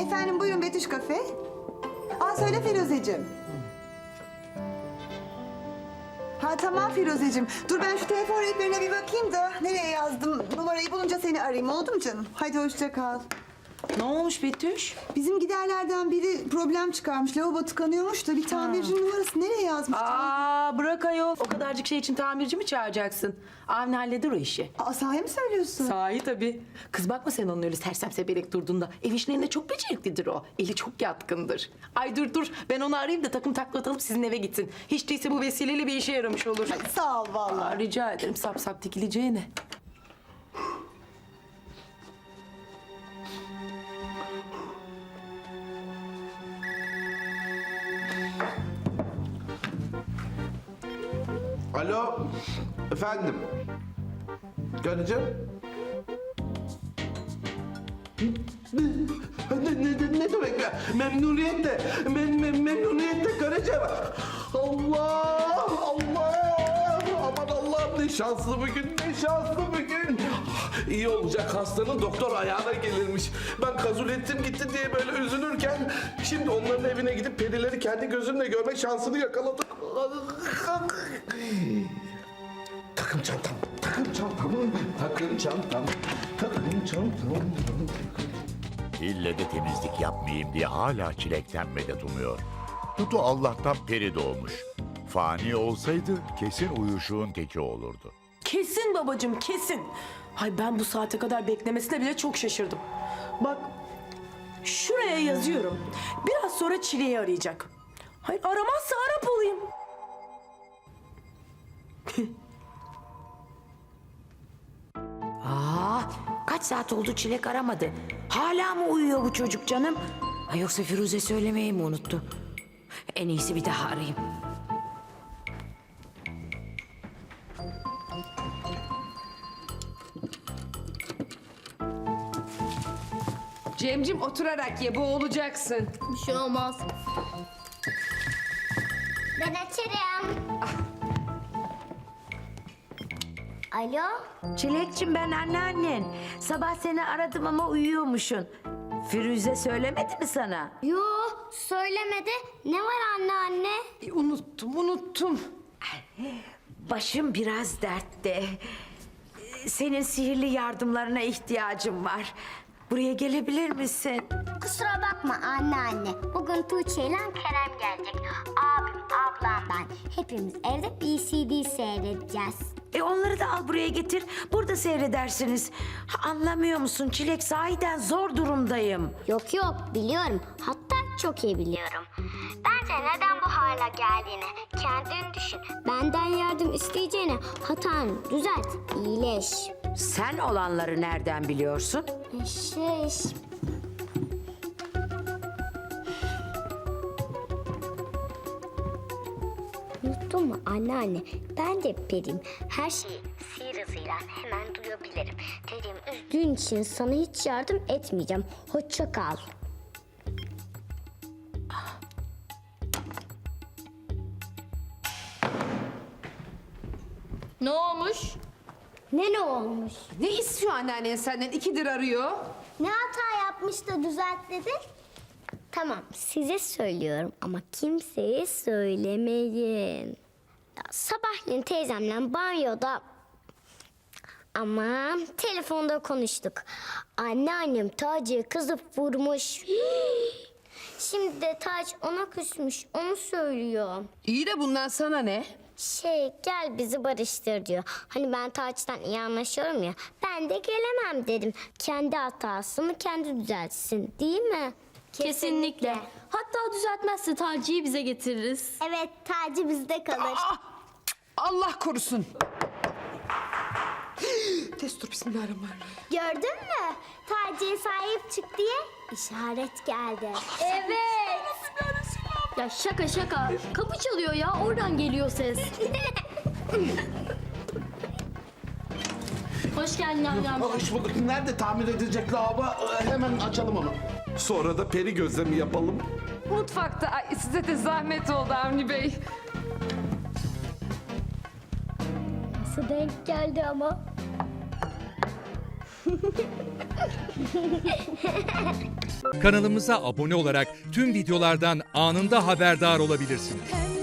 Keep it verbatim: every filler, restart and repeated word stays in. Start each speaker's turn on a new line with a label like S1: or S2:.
S1: Efendim buyurun Betüş Kafe. Aa söyle Firuzeciğim. Ha tamam Firuzeciğim. Dur ben şu telefon rehberine bir bakayım da nereye yazdım? Numarayı bulunca seni arayayım, oldu mu canım? Hadi hoşça kal.
S2: Ne olmuş Betüş?
S1: Bizim giderlerden biri problem çıkarmış. Lavabo tıkanıyormuş da bir tamircinin numarası nereye yazmış?
S2: Aa bırak ayol. O kadarcık şey için tamirci mi çağıracaksın? Avni halleder o işi.
S1: Aa sahi mi söylüyorsun?
S2: Sahi tabii. Kız bakma sen onun öyle sersem sebelek durduğunda. Ev işlerinde çok beceriklidir o. Eli çok yatkındır. Ay dur dur ben onu arayayım da takım taklatalım sizin eve gitsin. Hiç değilse bu vesileyle bir işe yaramış olur.
S1: Ay, sağ ol vallahi.
S2: Aa, rica ederim sap sap dikileceğine.
S3: Alo, efendim. Karıcığım. Ne, ne, ne, ne demek ya? Memnuniyetle, mem, mem, memnuniyetle karıcığım. Allah, Allah. Aman Allah'ım ne şanslı bugün, ne şanslı bugün. İyi olacak hastanın doktor ayağına gelirmiş. Ben kabul ettim gitti diye böyle üzülürken... ...şimdi onların evine gidip perileri kendi gözümle görmek şansını yakaladık. Takım çantam, takım çantam, takım çantam, takım çantam.
S4: İlle de temizlik yapmayayım diye hala çilekten medet umuyor. Dudu Allah'tan peri doğmuş. Fani olsaydı kesin uyuşuğun teki olurdu.
S2: Kesin babacığım kesin. Hay ben bu saate kadar beklemesine bile çok şaşırdım. Bak şuraya yazıyorum. Biraz sonra Çile'yi arayacak. Hayır aramazsa Arap olayım.
S5: Aa, kaç saat oldu Çilek aramadı. Hala mı uyuyor bu çocuk canım? Ha, yoksa Firuze söylemeyi mi unuttu? En iyisi bir daha arayayım.
S6: Cemcim oturarak ye, boğulacaksın.
S7: Bir şey olmaz. Ben açarım. Alo?
S5: Çilekçim ben anneannen. Sabah seni aradım ama uyuyormuşsun. Firuze söylemedi mi sana?
S7: Yo, söylemedi. Ne var anne anne?
S6: E, unuttum, unuttum.
S5: Başım biraz dertte. Senin sihirli yardımlarına ihtiyacım var. Buraya gelebilir misin?
S7: Kusura bakma anne anne. Bugün Tuğçe ile Kerem gelecek. Abim, ablam ben. Hepimiz evde B C D seyredeceğiz.
S5: E onları da al buraya getir. Burada seyredersiniz. Ha, anlamıyor musun Çilek? Sahiden zor durumdayım.
S7: Yok yok biliyorum. Hatta çok iyi biliyorum. Bence neden bu hale geldiğini kendin düşün. Benden yardım isteyeceğine hatanı düzelt, iyileş.
S5: Sen olanları nereden biliyorsun?
S7: Şey... Unuttun mu anneanne? Ben de periyim. Her şeyi sihir hızıyla hemen duyabilirim. Dediğimi üzdüğün için sana hiç yardım etmeyeceğim. Hoşça kal.
S6: Ne olmuş?
S7: Ne ne olmuş?
S6: Ne istiyor anneannen senden? İkidir arıyor.
S7: Ne hata yapmış da düzelt dedi? Tamam size söylüyorum ama kimseye söylemeyin. Ya, sabahleyin teyzemle banyoda... Aman telefonda konuştuk. Anneannem Taci'ye kızıp vurmuş. Şimdi de Taci ona küsmüş onu söylüyor.
S6: İyi de bundan sana ne?
S7: Şey gel bizi barıştır diyor. Hani ben Taç'tan iyi anlaşıyorum ya. Ben de gelemem dedim. Kendi hatasını kendi düzeltsin değil mi?
S8: Kesinlikle. Hatta düzeltmezse Taci'yi bize getiririz.
S7: Evet Taci bizde kalır.
S6: Allah korusun. Destur bismillahirrahmanirrahim.
S7: Gördün mü? Taci'ye sahip çık diye işaret geldi.
S8: Evet. Ya şaka şaka. Kapı çalıyor ya. Oradan geliyor ses. Hoş geldin amcam.
S3: Hoş bulduk. Nerede tamir edilecek lavabo? Ee, Hemen açalım onu. Sonra da peri gözlemi yapalım.
S6: Mutfakta. Ay, size de zahmet oldu Avni Bey.
S7: Nasıl denk geldi ama?
S9: Kanalımıza abone olarak tüm videolardan anında haberdar olabilirsiniz.
S10: Pembe